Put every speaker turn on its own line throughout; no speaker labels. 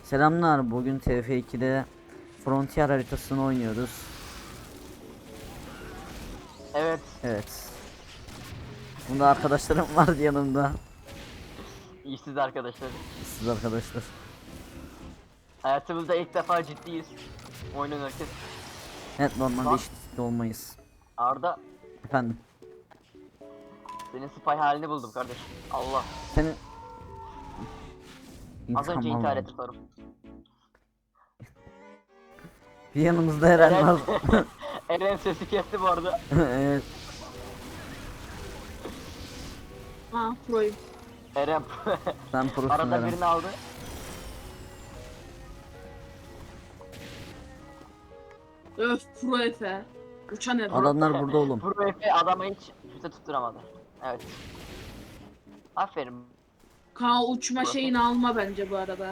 Selamlar. Bugün TF2'de Frontier haritasını oynuyoruz.
Evet.
Evet. Bunda arkadaşlarım vardı yanımda.
İşsiz arkadaşlar.
Siz arkadaşlar.
Hayatımızda ilk defa ciddiyiz. Oyun oynarken.
Evet, normalde
Bak.
eşit olmayız.
Arda,
Efendim.
senin spy halini buldum kardeş. Allah.
Senin
Az önce
İntikam
intihar
aldım.
etti sorum.
Bir yanımızda Eren var.
Eren sesi kesti bu arada.
Evet.
Ha, proyum.
Eren
Sen prosun
arada
Eren.
birini aldı.
Öf, pro Efe. Uçan Efe.
Adamlar burada oğlum.
Pro Efe adamı hiç füze tutturamadı. Evet. Aferin.
Kaan uçma
Pro Efe.
şeyini alma bence bu arada.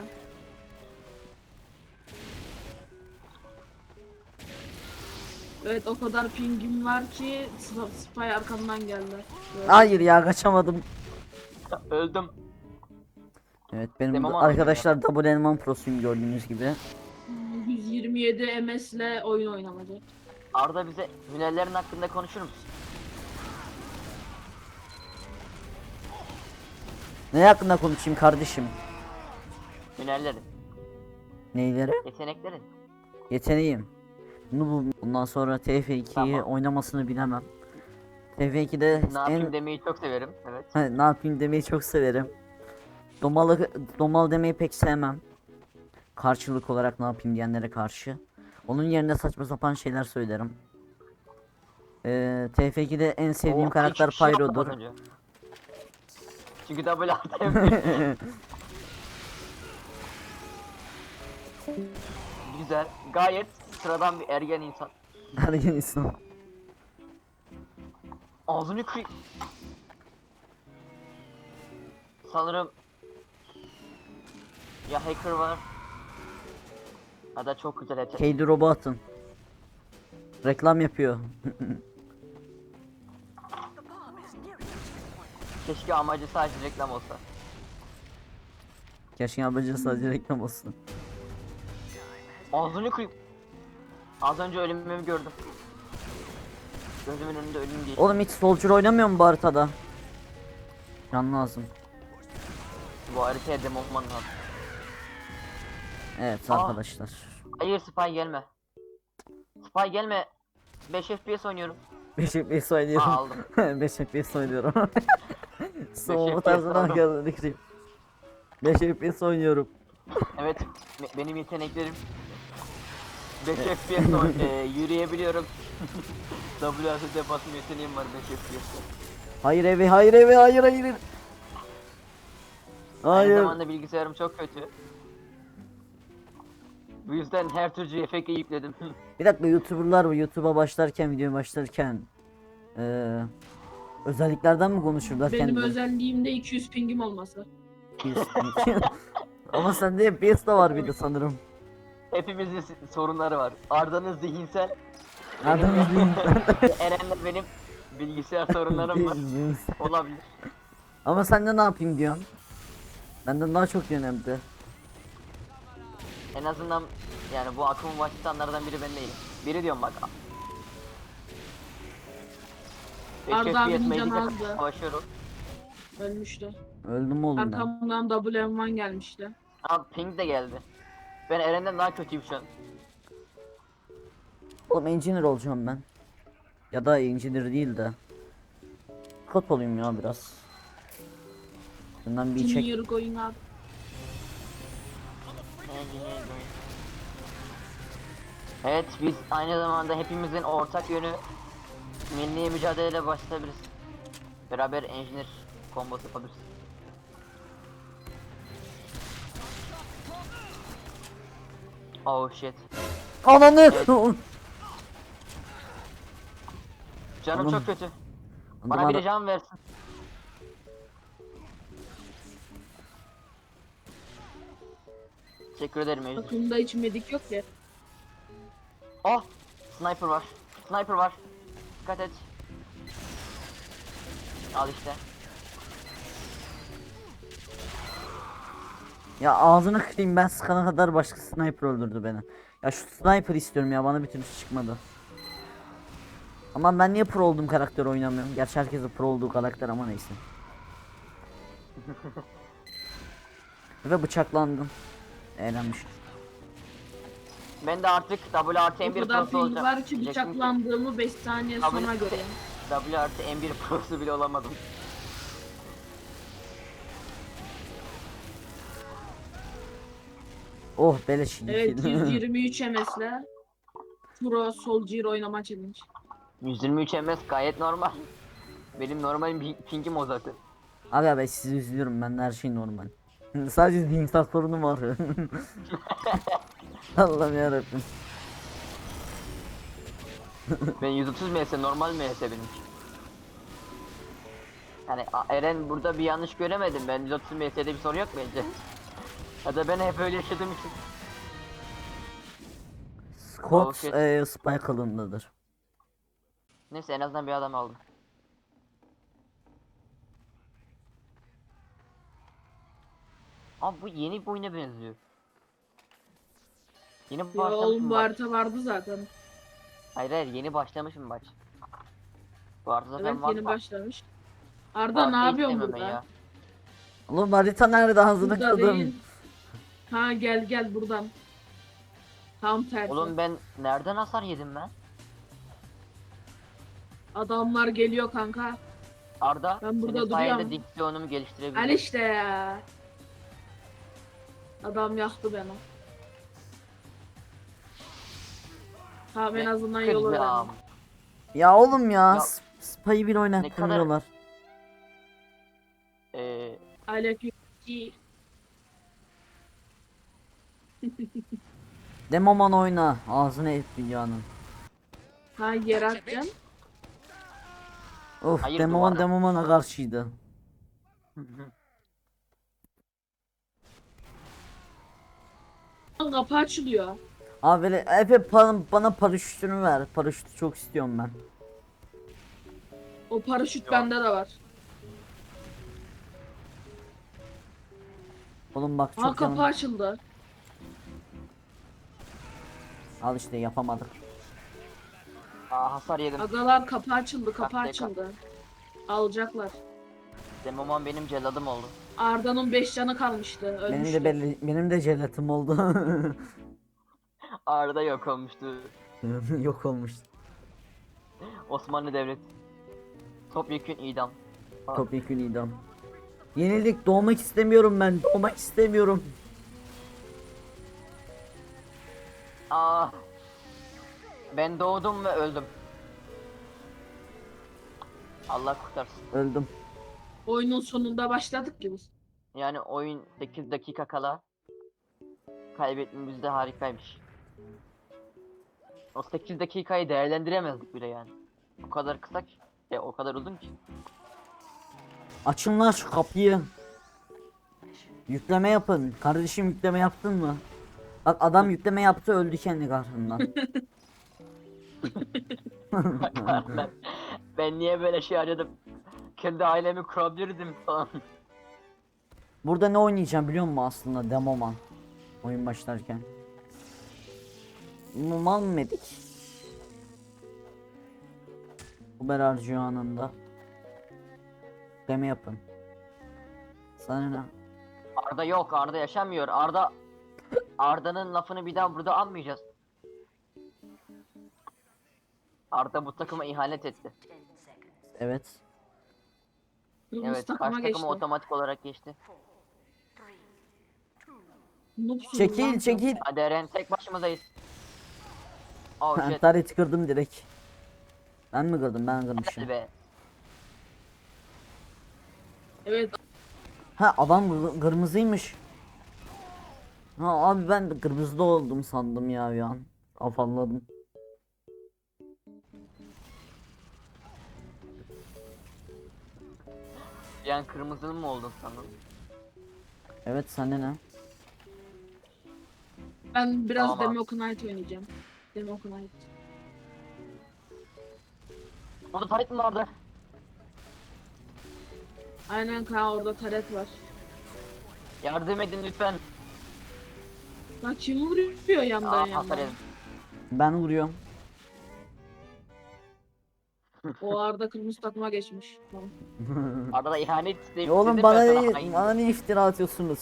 Evet, o kadar pingim var ki Spy arkamdan geldi. Böyle.
Hayır ya, kaçamadım.
Öldüm.
Evet, benim
Demem
bu
anladım
arkadaşlar Double Elman prosuyum gördüğünüz gibi.
127 MS ile oyun oynamadı.
Arda bize hünerlerin hakkında konuşur musun?
Ne hakkında konuşayım kardeşim?
Hünerlerin,
Neyleri?
yeteneklerin.
Yeteneğim. Bundan sonra TF2'yi
Tamam.
oynamasını bilemem. TF2'de
Ne yapayım demeyi çok severim. Evet.
ne yapayım demeyi çok severim. Domal demeyi pek sevmem. Karşılık olarak ne yapayım diyenlere karşı. Onun yerine saçma sapan şeyler söylerim. TF2'de en sevdiğim
Oo,
karakter
hiçbir şey yapmadım
Pyro'dur.
az önce. Çünkü double ATM. Güzel. Gayet sıradan bir ergen insan.
Ergen insan.
Ağzını kıy. Sanırım ya hacker var ya da çok güzel yetenek.
Keydi Robot'un. Reklam yapıyor.
Keşke amacı sadece reklam olsa.
Keşke amacı sadece reklam olsun.
Ağzını kıy. Az önce ölümümü gördüm. Gözümün önünde ölüm geçti.
Oğlum hiç Soldier oynamıyor mu bu haritada? Can lazım.
Bu haritaya demo olman lazım.
Evet
Aa.
arkadaşlar.
Hayır Spy gelme. Spy gelme. 5 FPS oynuyorum.
5 FPS
Aa,
oynuyorum.
aldım.
5 FPS oynuyorum. Soğuma
FPS
tarzına
aldım.
geldim. 5 FPS oynuyorum.
Evet, benim yeteneklerim 5 FPS yürüyebiliyorum. WASD basım yeteneğim var 5 FPS.
Hayır evi, hayır evi, hayır hayır.
Aynı
Hayır.
zamanda bilgisayarım çok kötü. Bu yüzden her türlü efekti yükledim.
Bir dakika, YouTuber'lar bu YouTube'a başlarken, videoya başlarken özelliklerden mi konuşurlar
Benim
kendileri?
özelliğimde 200 pingim olması.
Ama sende FPS de var bir de sanırım.
Hepimizin sorunları var. Arda'nın zihinsel,
Adam izleyin.
Eren'le benim bilgisayar sorunlarım var. Olabilir.
Ama sen de ne yapayım diyorsun? Benden daha çok önemli.
En azından yani bu akımı başlatanlardan biri ben değilim. Biri diyorum bak. 5
Arda
FPS
abinin
Magic'e
canı azdı.
savaşıyorum.
Ölmüştü.
Öldüm oğlum ben.
Arkamdan WM1 gelmişti.
Aa ping de geldi. Ben Eren'den daha kötüyüm şu an.
Oğlum engineer olacağım ben. Ya da engineer değil de. Kot olayım ya biraz. Bundan bir çek.
Junior going up.
Evet biz aynı zamanda hepimizin ortak yönü milli mücadeleyle başlayabiliriz. Beraber engineer kombosu yapabiliriz. Oh shit.
Ananı!
Canım
Oğlum.
çok kötü. Bana biri can versin. Teşekkür ederim Mecnun.
Takımda hiç medik yok ya.
Oh! Sniper var. Sniper var. Dikkat et. Al işte.
Ya ağzını kırayım, ben sıkana kadar başka sniper öldürdü beni. Ya şu sniper istiyorum ya, bana bir türlü çıkmadı. Ama ben niye pro olduğum karakter oynamıyorum? Gerçi herkesin pro olduğu karakter ama neyse. Ve bıçaklandım. Eğlenmiş.
Ben de artık W artı
O
M1
kadar
prosu
ping
olacağım.
var ki
Diyecektim ki,
bıçaklandığımı 5 saniye sonra görüyorum.
W artı M1 prosu bile olamadım.
Oh beleş.
Evet 123 MS'le Pro Soldier oynama challenge.
123 ms gayet normal. Benim normal pingim o zaten.
Abi sizi üzülüyorum, ben her şey normal. Sadece zihinsel sorunum var. Allah'ım yarabbim.
Ben 130 ms normal ms benimki. Yani Eren burada bir yanlış göremedim. Ben 130 ms'de bir sorun yok bence. Ya da ben hep öyle yaşadığım için.
Scott
Oh, shit.
Spike alındadır.
Neyse en azından bir adam aldım. Abi bu yeni bir oyuna benziyor. Yeni
Ya
başlamış
oğlum
mı
bu
maç?
harita vardı zaten.
Hayır hayır yeni başlamış mı maç? Bu arada zaten
Evet
var
yeni
mı?
başlamış. Arda
Harita
ne yapıyorsun
istemem ben
burada?
ya.
Oğlum harita nerede, ağzını
Burada
kırdım.
değil. Ha gel buradan. Tam tersi.
Oğlum ben nereden hasar yedim ben?
Adamlar geliyor kanka.
Arda
Ben burada
senin sayende
duruyorum.
diksiyonumu
Al
geliştirebilirim.
işte ya. Adam yaktı beni. Tamam en azından yolu
Kızım.
öğrendim.
Ya oğlum ya,
Ya,
Spy'ı bir oynattırmıyorlar.
Aleyküm.
Demoman oyna, ağzını et dünyanın.
Ha yere atacaksın.
Of,
Hayır,
Demoman
duvara.
Demomana karşıydı.
Lan kapı açılıyor.
Abi böyle Efe bana paraşütünü ver. Paraşütü çok istiyorum ben.
O paraşüt
Yok.
bende de var.
Oğlum bak
Ha
çok
kapı
canım.
açıldı.
Al işte, yapamadık.
Aa, hasar yedim.
Agalar kapı açıldı, kapı
Dakika.
açıldı. Alacaklar.
Demoman benim celladım oldu.
Arda'nın 5 canı kalmıştı. Ölmüştü.
Benim de jelatim oldu.
Arda yok olmuştu.
Yok olmuş.
Osmanlı Devleti. Topyekün idam.
Topyekun idam. Yenildik, doğmak istemiyorum ben. Doğmak istemiyorum.
Aa. Ben doğdum ve öldüm. Allah kurtarsın.
Öldüm.
Oyunun sonunda başladık ki biz.
Yani oyun 8 dakika kala kaybetmemiz de harikaymış. O 8 dakikayı değerlendiremezdik bile yani. O kadar kısa ki. O kadar uzun ki.
Açın lan şu kapıyı. Yükleme yapın. Kardeşim, yükleme yaptın mı? Bak adam yükleme yaptı, öldü kendi kahrından.
Ben niye böyle şey aradım? Kendi ailemi kurabilirdim falan.
Burada ne oynayacağım biliyor musun aslında, Demoman. Oyun başlarken. Mal medik. Uber harcıyor anında. Deme yapın. Sana ne?
Arda yok, Arda yaşamıyor. Arda'nın lafını bir daha burada almayacağız. Arda bu takıma ihanet etti.
Evet.
Kırmızı
Evet,
takıma
karşı
geçti.
takıma otomatik olarak geçti.
Noobsunuz
Çekil
lan.
çekil.
Hadi Eren, tek başımızdayız. Oh
Ben
shit.
tareti kırdım direkt. Ben mi kırdım? Ben kırmışım.
Hadi be.
Evet
Ha, adam kırmızıymış. Ha abi, ben de kırmızıda oldum sandım ya bir an. Afalladım.
Bir an kırmızının mı oldun sandın?
Evet, sende ne?
ben biraz
Tamam abi.
Demoknight oynayacağım. Demoknight.
Orada taret mi vardı?
Aynen kanka orada taret var.
Yardım edin lütfen.
Lan kim vuruyor yandan
Aa hasar
yandan?
yedim.
Ben vuruyorum.
O arada kırmızı takıma geçmiş. Tamam.
Arada ihanet
Ya oğlum
dedim
bana
ben sana
ne,
hain.
bana ne iftira atıyorsunuz?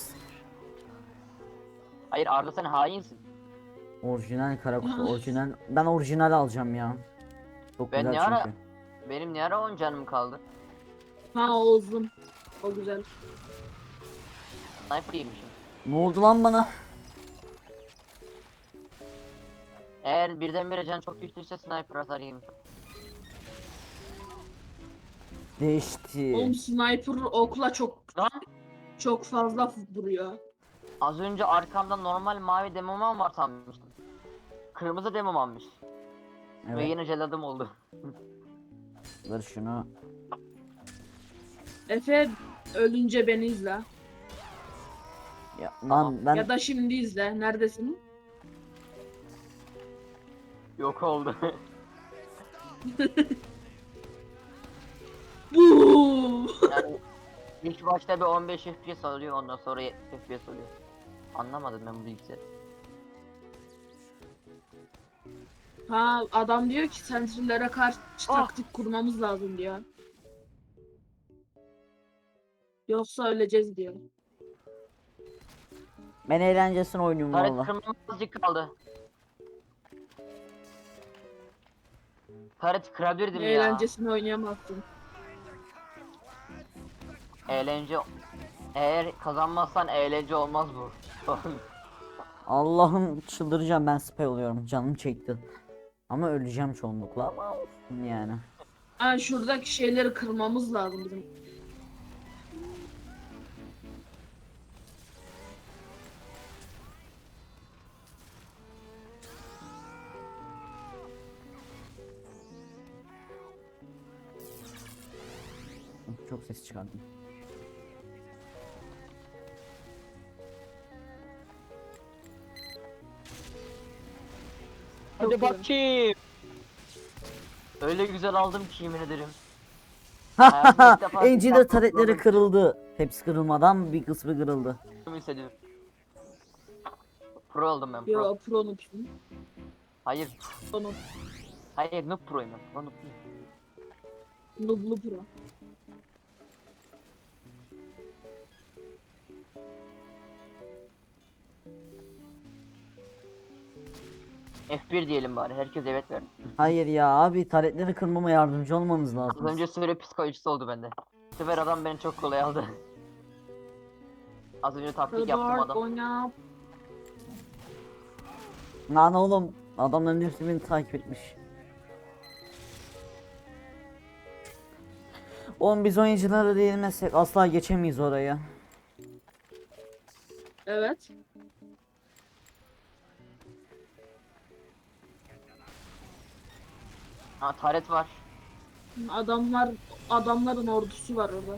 Hayır Arda sen hainsin.
Orijinal kara kutu, orijinal. Ben orijinal alacağım ya. Çok
Ben
güzel
ne ara
çünkü.
benim ne ara 10 canım kaldı.
Ha o uzun. O güzel.
Sniper yemişim.
Ne oldu lan bana?
Eğer birdenbire can çok düştüyse sniper hasar yemişim.
Değişti.
Oğlum sniper okla
Lan
çok fazla vuruyor.
az önce arkamda normal mavi demomam var sanmıştım. Kırmızı demom almış. Ve
Evet.
yine jeladım oldu.
Ver şunu.
Efe ölünce beni izle.
Ya,
Tamam.
lan ben
Ya da şimdi izle. Neredesin?
Yok oldu.
Bu.
Yani ilk başta bir 15 FPS oluyor ondan sonra 70 FPS oluyor. Anlamadım ben bu bilgisayarı.
Ha adam diyor ki sentrilere karşı
Ah!
taktik kurmamız lazım diyor. Yoksa öleceğiz diyor.
ben eğlencesine oynuyorum
Taret
valla.
kırmam azıcık kaldı. Taret kırabilirdim ya.
Eğlencesini oynayamazsın.
Eğlence. Eğer kazanmazsan eğlence olmaz bu.
Allah'ım çıldıracağım, ben spy oluyorum. Canım çekti. Ama öleceğim çoğunlukla ama olsun yani.
Ha şuradaki şeyleri kırmamız lazım bizim.
Çok ses çıkardım.
Çok
Hadi
güzel.
bakayım. Öyle güzel aldım ki yemin ederim. Hayatımda ilk defa
Engineer
bir
taretleri
tane
kırıldı. Hepsi kırılmadan bir kısmı kırıldı.
hissediyorum. Pro oldum ben pro.
Yo pro noob.
Hayır.
Pro noob.
Hayır noob proyum ben. Pro noob değilim.
Noob'lu pro.
F1 diyelim bari. Herkes evet verdi.
Hayır ya abi, taretleri kırmama yardımcı olmanız
Az
lazım.
önce söyle psikolojisi oldu bende. Bu sefer adam beni çok kolay aldı. Az önce taktik yaptım
Dark
adam.
oyna.
Lan oğlum, adamların hepsi beni takip etmiş. Oğlum biz oyuncuları değilmezsek asla geçemeyiz oraya.
Evet.
Ha taret var.
Adamların ordusu var orada.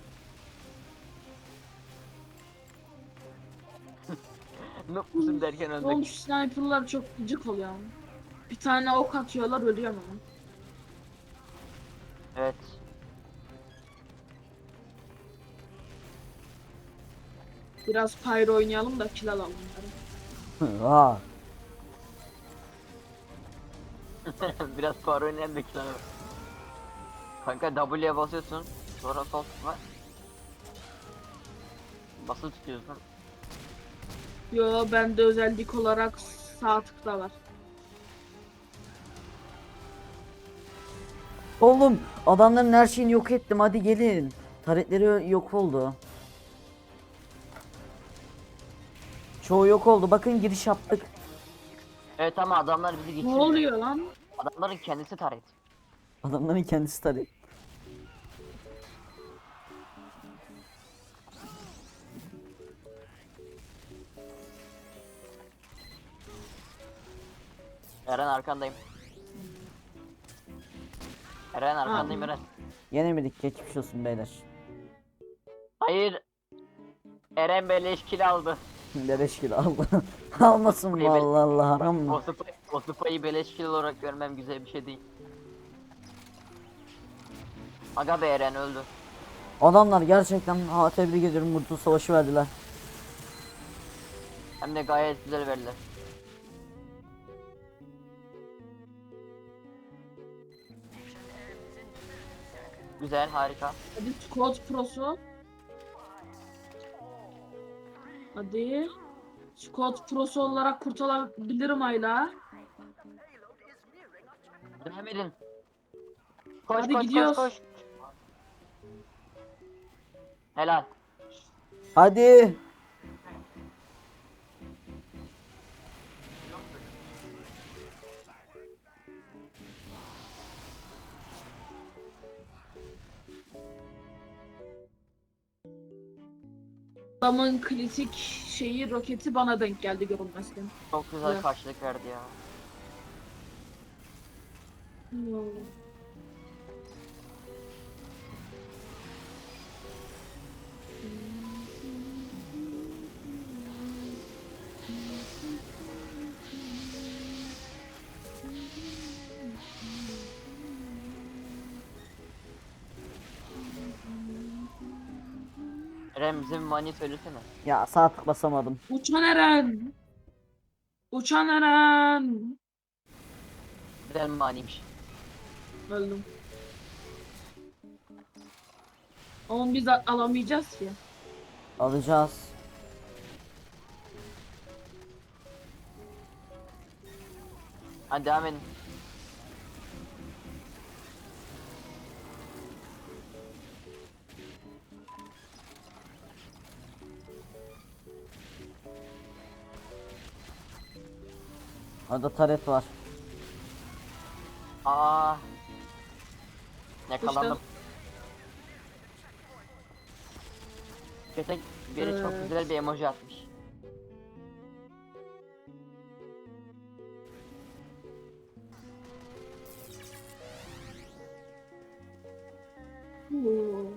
Noob musun derken
Oğlum
öldük.
şu sniperlar çok gıcık oluyor. Ama. Bir tane ok atıyorlar ölüyor mu?
Evet.
Biraz pyro oynayalım da kill alalım. Bari.
Aa,
Biraz para oynayan bekliyorum. Kanka W'ye basıyorsun. Sonra sol tıkla. Basılı tutuyorsun.
Yo bende özellik olarak sağ tıkta var.
oğlum adamların her şeyini yok ettim, hadi gelin. Taretleri yok oldu. Çoğu yok oldu, bakın giriş yaptık.
Evet ama adamlar bizi
Ne
geçirmiyor.
oluyor lan?
Adamların kendisi taret.
Adamların kendisi taret.
Eren arkandayım. Eren arkandayım
Abi.
Eren.
Yenemedik, geçmiş olsun beyler.
Hayır. Eren beleş kill aldı.
Beleş kilo aldı. Almasın mı, Allah Allah, haram mı?
O sıpayı beleş kill olarak görmem güzel bir şey değil. Aga be Eren öldü.
Adamlar gerçekten, ha, tebrik ediyorum, Mutlu Savaşı verdiler.
Hem de gayet güzel veriler. Güzel, harika.
Hadi Squad Pro'su. Hadi. Squad Pro'su olarak kurtarabilirim hala.
Devam edin. Koş
Hadi
koş
gidiyoruz.
koş koş. Helal.
Hadi.
Adamın kritik şeyi roketi bana denk geldi görünmezken.
Çok güzel
Evet.
karşılık verdi ya.
Hmm.
Eren bize bir mani söylesene.
Ya sağ tık basamadım.
Uçan Eren. Uçan Eren.
Güzel maniymiş.
Öldüm. Ama biz alamayacağız ki.
Alacağız.
Hadi devam edin.
Orada taret var.
Aa. Yakalandım. Kötek biri çok
Evet.
güzel bir emoji atmış.
Oo.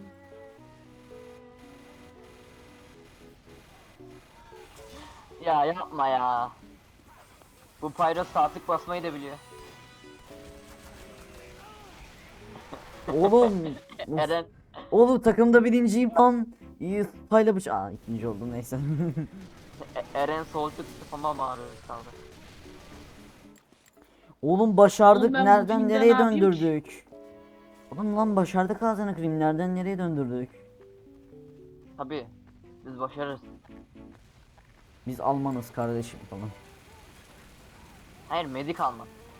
Ya yapma ya. Bu Pyro saatlik basmayı da biliyor.
Oğlum. Of.
Eren
Oğlum takımda birinciyim lan. İyi paylamış. Aa ikinci oldum neyse.
Eren solcuk spama maruz kaldı.
Oğlum başardık.
Oğlum ben bu
Nereden
filmde
nereye
ne yapayım ki?
döndürdük? Oğlum lan başardık ağzına kırayım. Nereden nereye döndürdük?
Tabi biz başarırız.
Biz Almanız kardeşim falan.
Hayır medik alma.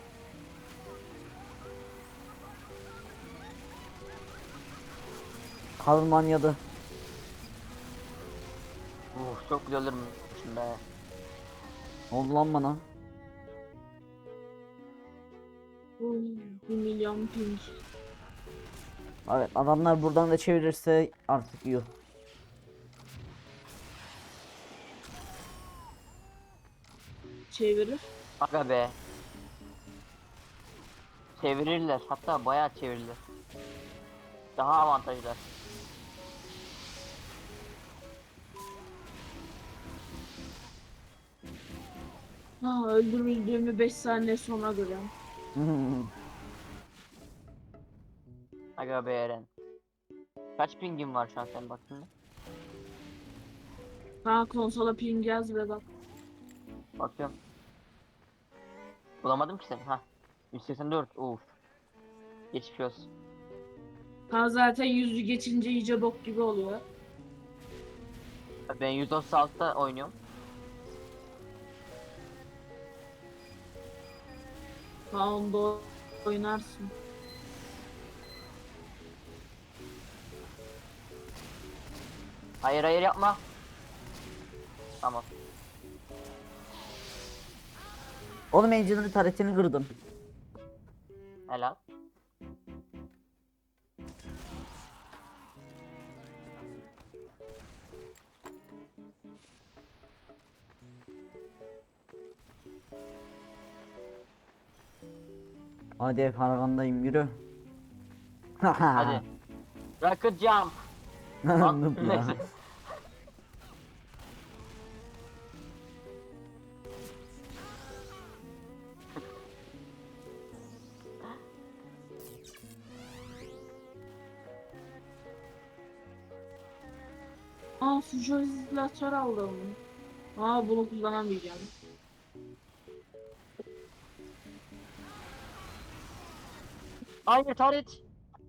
Almanya'da.
Çok güzel ölürmüşüm be.
Oldu lan bana.
Oy, 1 milyon ping.
Evet adamlar buradan da çevirirse artık iyi.
Çevirir.
Aga be. Çevirirler, hatta bayağı çevirirler. Daha avantajlı.
Ha, öldürüldüğümü 5 saniye sonra görüyorum.
Aga be Eren. Kaç pingin var şu an sen baktığında?
Ha, konsola ping yaz ve bak.
Bakıyorum. Bulamadım ki seni. Ha. 184. Uf. Geçmiş olsun.
Ha, zaten yüzü geçince iyice bok gibi oluyor.
Ben 136'da oynuyorum.
Ha, onda oynarsın.
Hayır hayır yapma. Tamam.
Oğlum Angel'ın taretini kırdım.
Helal.
Hadi karagandayım yürü.
Hadi. Rocket jump.
Noob ya.
Neyse.
Aa, füjolizatör aldım. Ama bunu kullanamayacağım.
Hayır Taret.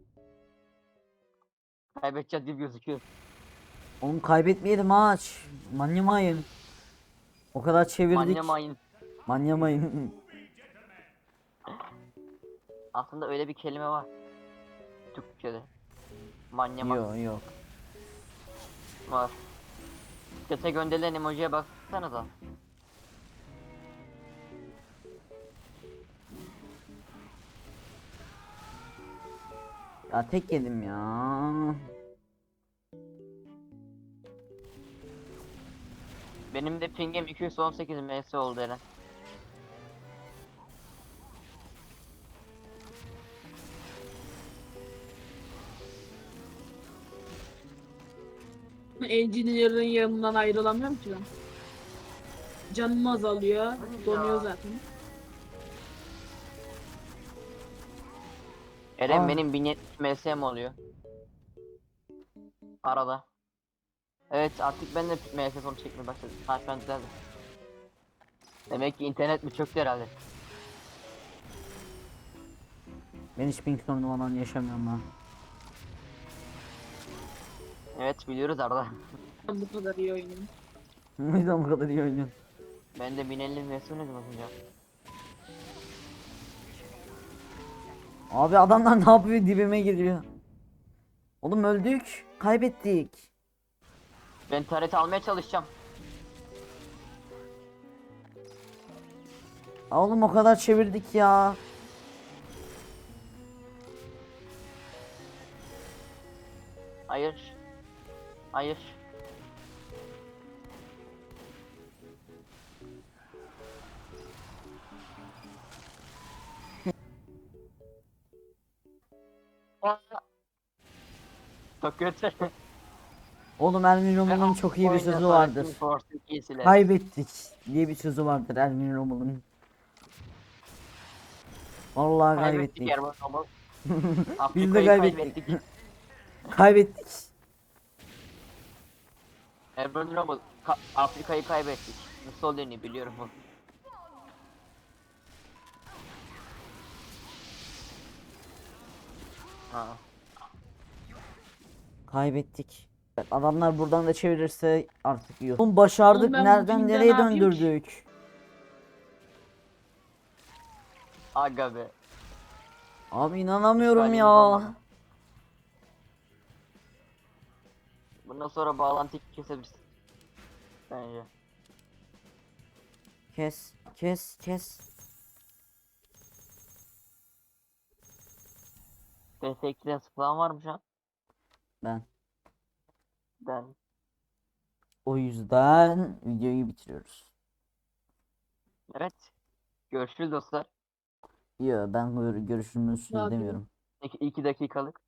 Kaybedeceğiz gibi gözüküyor.
Oğlum kaybetmeyelim maç. Manyamayın. O kadar çevirdik.
Manyamayın.
Manyamayın.
Aslında öyle bir kelime var. Türkçe'de. Manyamak
Yok yok.
var. Chat'e gönderilen emojiye baksanıza.
Ya tek yedim ya.
Benim de pingim 218 ms oldu Eren.
Engineer'ın yanından ayrılamıyorum ki ben. Canım azalıyor. Donuyor zaten.
Eren
Aa.
benim 1070 MS'm oluyor. Arada. Evet artık ben de MS sonu çekmeye başladım. Ha şu an düzeldi. Demek ki internet mi çöktü herhalde.
Ben hiç ping sorunu falan yaşamıyorum ha.
Evet biliyoruz Arda.
Ben bu kadar iyi oynuyorum.
O yüzden bu kadar iyi oynuyorsun.
Ben de 1050 MS oynadım az önce.
Abi adamlar ne yapıyor, dibime giriyor. Oğlum öldük. Kaybettik.
Ben taret almaya çalışacağım.
Oğlum o kadar çevirdik ya.
Hayır. Hayır. Aa! Çok kötü.
Oğlum Ermin Romel'in çok iyi bir sözü vardır. Kaybettik diye bir sözü vardır Ermin Romel'in. Vallahi
Kaybettik
kaybettik.
Erman ama.
Biz de
Afrika'yı
kaybettik.
kaybettik.
Kaybettik.
Erman Rommel, Afrika'yı kaybettik. Mussolini biliyorum bunu. Ha.
Kaybettik. Adamlar buradan da çevirirse artık iyi. Oğlum başardık.
Oğlum ben bu
Nereden
pingde
nereye
ne yapayım ki?
döndürdük?
Aga be.
Abi inanamıyorum
İşgalimiz
ya.
olmadı. Bundan sonra bağlantıyı kesebilirsin. Bence.
Kes, kes, kes.
PS2'den sıkılan var mı şu an?
Ben.
Ben.
O yüzden videoyu bitiriyoruz.
Evet. Görüşürüz dostlar.
Yo ben görüşümüzü
Zaten.
demiyorum.
2 dakikalık.